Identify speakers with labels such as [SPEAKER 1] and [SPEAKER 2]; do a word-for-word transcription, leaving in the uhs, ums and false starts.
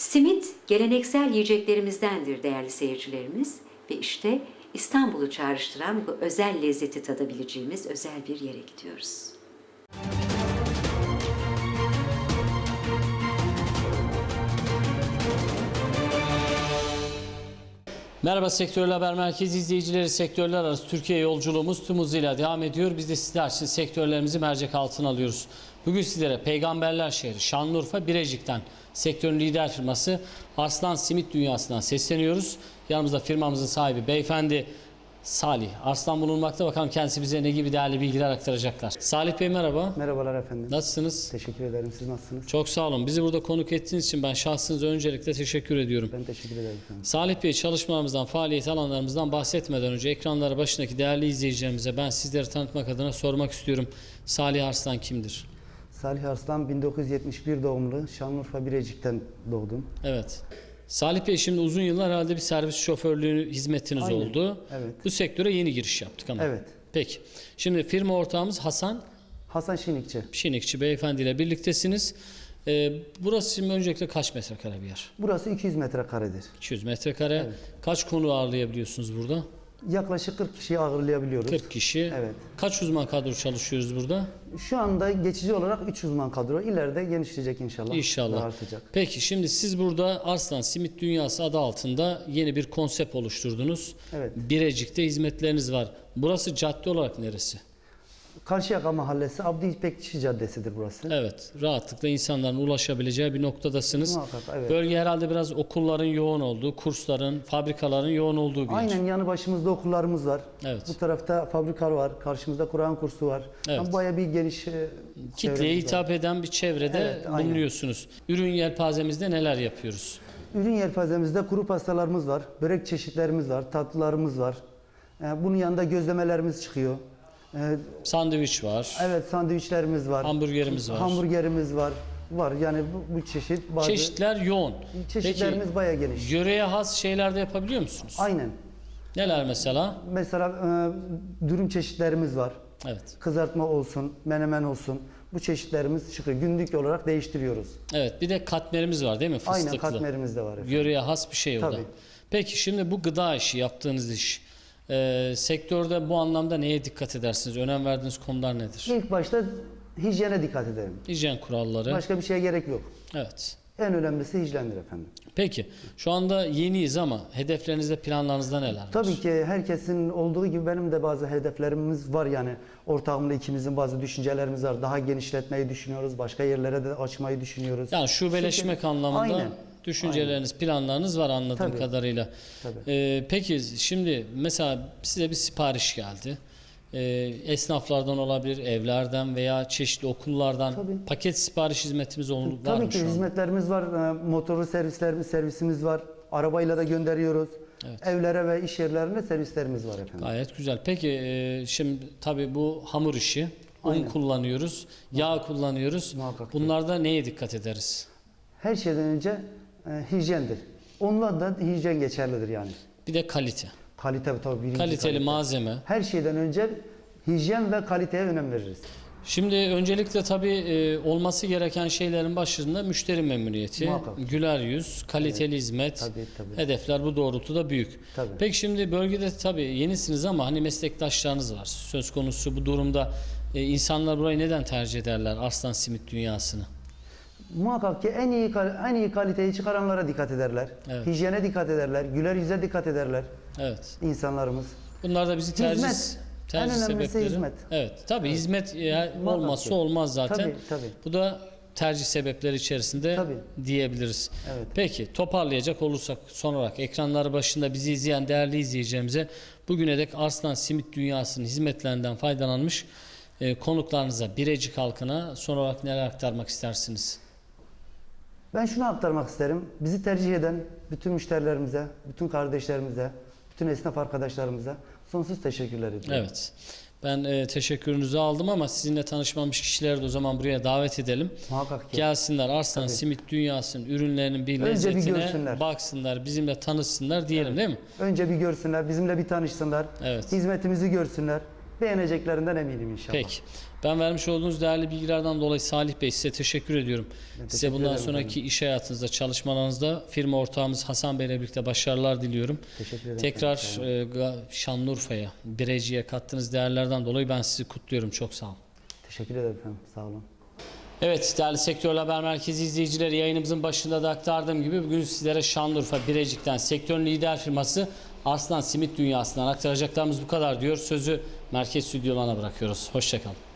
[SPEAKER 1] Simit geleneksel yiyeceklerimizdendir değerli seyircilerimiz ve işte İstanbul'u çağrıştıran bu özel lezzeti tadabileceğimiz özel bir yere gidiyoruz.
[SPEAKER 2] Merhaba Sektörler Haber Merkezi izleyicileri, sektörler arası Türkiye yolculuğumuz tüm hızıyla devam ediyor. Biz de sizler için sektörlerimizi mercek altına alıyoruz. Bugün sizlere Peygamberler Şehri Şanlıurfa Birecik'ten sektörün lider firması Arslan Simit Dünyası'ndan sesleniyoruz. Yanımızda firmamızın sahibi beyefendi Salih Arslan bulunmakta. Bakalım kendisi bize ne gibi değerli bilgiler aktaracaklar. Salih Bey merhaba.
[SPEAKER 3] Merhabalar efendim.
[SPEAKER 2] Nasılsınız?
[SPEAKER 3] Teşekkür ederim. Siz nasılsınız?
[SPEAKER 2] Çok sağ olun. Bizi burada konuk ettiğiniz için ben şahsınıza öncelikle teşekkür ediyorum.
[SPEAKER 3] Ben teşekkür ederim efendim.
[SPEAKER 2] Salih Bey, çalışmalarımızdan, faaliyet alanlarımızdan bahsetmeden önce ekranları başındaki değerli izleyicilerimize ben sizleri tanıtmak adına sormak istiyorum. Salih Arslan kimdir?
[SPEAKER 3] Salih Arslan bin dokuz yüz yetmiş bir doğumlu. Şanlıurfa Birecik'ten doğdum.
[SPEAKER 2] Evet. Salih Bey, şimdi uzun yıllar herhalde bir servis şoförlüğü hizmetiniz
[SPEAKER 3] Aynen.
[SPEAKER 2] oldu.
[SPEAKER 3] Evet.
[SPEAKER 2] Bu sektöre yeni giriş yaptık ama.
[SPEAKER 3] Evet.
[SPEAKER 2] Peki. Şimdi firma ortağımız Hasan
[SPEAKER 3] Hasan Şinikçi.
[SPEAKER 2] Şinikçi beyefendiyle birliktesiniz. Ee, burası şimdi öncelikle kaç metrekare bir yer?
[SPEAKER 3] Burası iki yüz metrekaredir.
[SPEAKER 2] iki yüz metrekare.
[SPEAKER 3] Evet.
[SPEAKER 2] Kaç konu ağırlayabiliyorsunuz burada?
[SPEAKER 3] Yaklaşık kırk kişiyi ağırlayabiliyoruz.
[SPEAKER 2] kırk kişi.
[SPEAKER 3] Evet.
[SPEAKER 2] Kaç uzman kadro çalışıyoruz burada?
[SPEAKER 3] Şu anda geçici olarak üç uzman kadro. İleride genişleyecek inşallah.
[SPEAKER 2] İnşallah.
[SPEAKER 3] Daha artacak.
[SPEAKER 2] Peki şimdi siz burada Arslan Simit Dünyası adı altında yeni bir konsept oluşturdunuz.
[SPEAKER 3] Evet.
[SPEAKER 2] Birecik'te hizmetleriniz var. Burası cadde olarak neresi?
[SPEAKER 3] Karşıyaka Mahallesi Abdi İpekçi Caddesi'dir burası.
[SPEAKER 2] Evet, rahatlıkla insanların ulaşabileceği bir noktadasınız.
[SPEAKER 3] Muhakkak, evet.
[SPEAKER 2] Bölge herhalde biraz okulların yoğun olduğu, kursların, fabrikaların yoğun olduğu bir yer.
[SPEAKER 3] Aynen, yanı başımızda okullarımız var.
[SPEAKER 2] Evet.
[SPEAKER 3] Bu tarafta fabrika var. Karşımızda Kur'an kursu var.
[SPEAKER 2] Evet.
[SPEAKER 3] Yani bayağı bir geniş e,
[SPEAKER 2] Kitleye
[SPEAKER 3] çevremiz var.
[SPEAKER 2] hitap eden bir çevrede
[SPEAKER 3] Evet, aynen.
[SPEAKER 2] bulunuyorsunuz. Ürün yelpazemizde neler yapıyoruz?
[SPEAKER 3] Ürün yelpazemizde kuru pastalarımız var, börek çeşitlerimiz var, tatlılarımız var. Ee, Bunun yanında gözlemelerimiz çıkıyor. Ee,
[SPEAKER 2] Sandviç var,
[SPEAKER 3] Evet, sandviçlerimiz var.
[SPEAKER 2] hamburgerimiz var.
[SPEAKER 3] Hamburgerimiz var. Var yani bu, bu çeşit bazı
[SPEAKER 2] Çeşitler yoğun.
[SPEAKER 3] çeşitlerimiz
[SPEAKER 2] Peki,
[SPEAKER 3] bayağı geniş.
[SPEAKER 2] yöreye has şeyler de yapabiliyor musunuz?
[SPEAKER 3] Aynen.
[SPEAKER 2] Neler mesela?
[SPEAKER 3] Mesela e, dürüm çeşitlerimiz var.
[SPEAKER 2] Evet.
[SPEAKER 3] Kızartma olsun, menemen olsun. Bu çeşitlerimiz çıkıyor. Günlük olarak değiştiriyoruz.
[SPEAKER 2] Evet, bir de katmerimiz var değil mi? Fıstıklı.
[SPEAKER 3] Aynen, katmerimiz de var efendim.
[SPEAKER 2] Yöreye has bir şey o da.
[SPEAKER 3] Tabii.
[SPEAKER 2] Peki şimdi bu gıda işi, yaptığınız iş, e, sektörde bu anlamda neye dikkat edersiniz? Önem verdiğiniz konular nedir?
[SPEAKER 3] İlk başta hijyene dikkat edelim.
[SPEAKER 2] Hijyen kuralları.
[SPEAKER 3] Başka bir şeye gerek yok.
[SPEAKER 2] Evet.
[SPEAKER 3] En önemlisi hijyendir efendim.
[SPEAKER 2] Peki şu anda yeniyiz ama hedeflerinizde, planlarınızda neler var?
[SPEAKER 3] Tabii ki herkesin olduğu gibi benim de bazı hedeflerimiz var yani. Ortağımla ikimizin bazı düşüncelerimiz var. Daha genişletmeyi düşünüyoruz. Başka yerlere de açmayı düşünüyoruz.
[SPEAKER 2] Yani şubeleşmek
[SPEAKER 3] Çünkü-
[SPEAKER 2] anlamında
[SPEAKER 3] Aynen.
[SPEAKER 2] düşünceleriniz, planlarınız var anladığım
[SPEAKER 3] Tabii.
[SPEAKER 2] kadarıyla.
[SPEAKER 3] Tabii.
[SPEAKER 2] Ee, peki şimdi mesela size bir sipariş geldi. Ee, esnaflardan olabilir, evlerden veya çeşitli okullardan
[SPEAKER 3] Tabii.
[SPEAKER 2] paket sipariş hizmetimiz ol- var
[SPEAKER 3] Tabii
[SPEAKER 2] mı
[SPEAKER 3] ki
[SPEAKER 2] şu anda?
[SPEAKER 3] hizmetlerimiz var. Ee, Motorlu servislerimiz, servisimiz var. Arabayla da gönderiyoruz.
[SPEAKER 2] Evet.
[SPEAKER 3] Evlere ve iş yerlerine servislerimiz var efendim.
[SPEAKER 2] Gayet güzel. Peki e, şimdi tabii bu hamur işi, un
[SPEAKER 3] Aynen.
[SPEAKER 2] kullanıyoruz, yağ kullanıyoruz.
[SPEAKER 3] Muhakkak ki.
[SPEAKER 2] Bunlarda neye dikkat ederiz?
[SPEAKER 3] Her şeyden önce e, hijyendir. Onunla da hijyen geçerlidir yani.
[SPEAKER 2] Bir de kalite.
[SPEAKER 3] Kalite tabii birinci
[SPEAKER 2] Kaliteli
[SPEAKER 3] kalite.
[SPEAKER 2] malzeme.
[SPEAKER 3] Her şeyden önce hijyen ve kaliteye önem veririz.
[SPEAKER 2] Şimdi öncelikle tabii e, olması gereken şeylerin başında müşteri memnuniyeti,
[SPEAKER 3] Muhakkak.
[SPEAKER 2] güler yüz, kaliteli hizmet,
[SPEAKER 3] Tabii, tabii.
[SPEAKER 2] hedefler bu doğrultuda büyük.
[SPEAKER 3] Tabii.
[SPEAKER 2] Peki şimdi bölgede tabii yenisiniz ama hani meslektaşlarınız var. Söz konusu bu durumda e, insanlar burayı neden tercih ederler, Arslan Simit Dünyası'nı?
[SPEAKER 3] Muhakkak ki en iyi kal- en iyi kaliteyi çıkaranlara dikkat ederler.
[SPEAKER 2] Evet.
[SPEAKER 3] Hijyene dikkat ederler. Güler yüze dikkat ederler
[SPEAKER 2] Evet.
[SPEAKER 3] insanlarımız.
[SPEAKER 2] Bunlar da bizi tercih
[SPEAKER 3] Hizmet.
[SPEAKER 2] tercih
[SPEAKER 3] En önemlisi
[SPEAKER 2] sebepleri.
[SPEAKER 3] hizmet.
[SPEAKER 2] Evet. Tabii hizmet e, olmazsa
[SPEAKER 3] ki.
[SPEAKER 2] olmaz zaten.
[SPEAKER 3] Tabii, tabii.
[SPEAKER 2] Bu da tercih sebepleri içerisinde
[SPEAKER 3] Tabii.
[SPEAKER 2] diyebiliriz.
[SPEAKER 3] Evet.
[SPEAKER 2] Peki toparlayacak olursak son olarak ekranları başında bizi izleyen değerli izleyicilerimize bugüne dek Arslan Simit Dünyası'nın hizmetlerinden faydalanmış e, konuklarınıza, Birecik halkına son olarak neler aktarmak istersiniz?
[SPEAKER 3] Ben şunu aktarmak isterim. Bizi tercih eden bütün müşterilerimize, bütün kardeşlerimize, bütün esnaf arkadaşlarımıza sonsuz teşekkürler ediyorum.
[SPEAKER 2] Evet. Ben e, teşekkürünüzü aldım ama sizinle tanışmamış kişileri de o zaman buraya davet edelim.
[SPEAKER 3] Muhakkak ki.
[SPEAKER 2] Gelsinler Arslan
[SPEAKER 3] Tabii.
[SPEAKER 2] Simit Dünyası'nın ürünlerinin bir
[SPEAKER 3] Önce bir
[SPEAKER 2] lezzetine
[SPEAKER 3] görsünler.
[SPEAKER 2] baksınlar, bizimle tanışsınlar diyelim değil mi?
[SPEAKER 3] Önce bir görsünler, bizimle bir tanışsınlar.
[SPEAKER 2] Evet.
[SPEAKER 3] Hizmetimizi görsünler. beğeneceklerinden eminim inşallah.
[SPEAKER 2] Peki. Ben vermiş olduğunuz değerli bilgilerden dolayı Salih Bey size teşekkür ediyorum.
[SPEAKER 3] Ben
[SPEAKER 2] Size
[SPEAKER 3] teşekkür
[SPEAKER 2] bundan
[SPEAKER 3] ederim
[SPEAKER 2] sonraki
[SPEAKER 3] efendim.
[SPEAKER 2] iş hayatınızda, çalışmalarınızda firma ortağımız Hasan Bey ile birlikte başarılar diliyorum.
[SPEAKER 3] Teşekkür ederim
[SPEAKER 2] Tekrar
[SPEAKER 3] efendim.
[SPEAKER 2] e, Ga- Şanlıurfa'ya, Birecik'e kattığınız değerlerden dolayı ben sizi kutluyorum. Çok sağ olun.
[SPEAKER 3] Teşekkür ederim efendim. Sağ olun.
[SPEAKER 2] Evet değerli Sektörel Haber Merkezi izleyicileri, yayınımızın başında da aktardığım gibi bugün sizlere Şanlıurfa Birecik'ten sektörün lider firması Arslan Simit Dünyası'ndan aktaracaklarımız bu kadar diyor. Sözü merkez stüdyolarına bırakıyoruz. Hoşçakalın.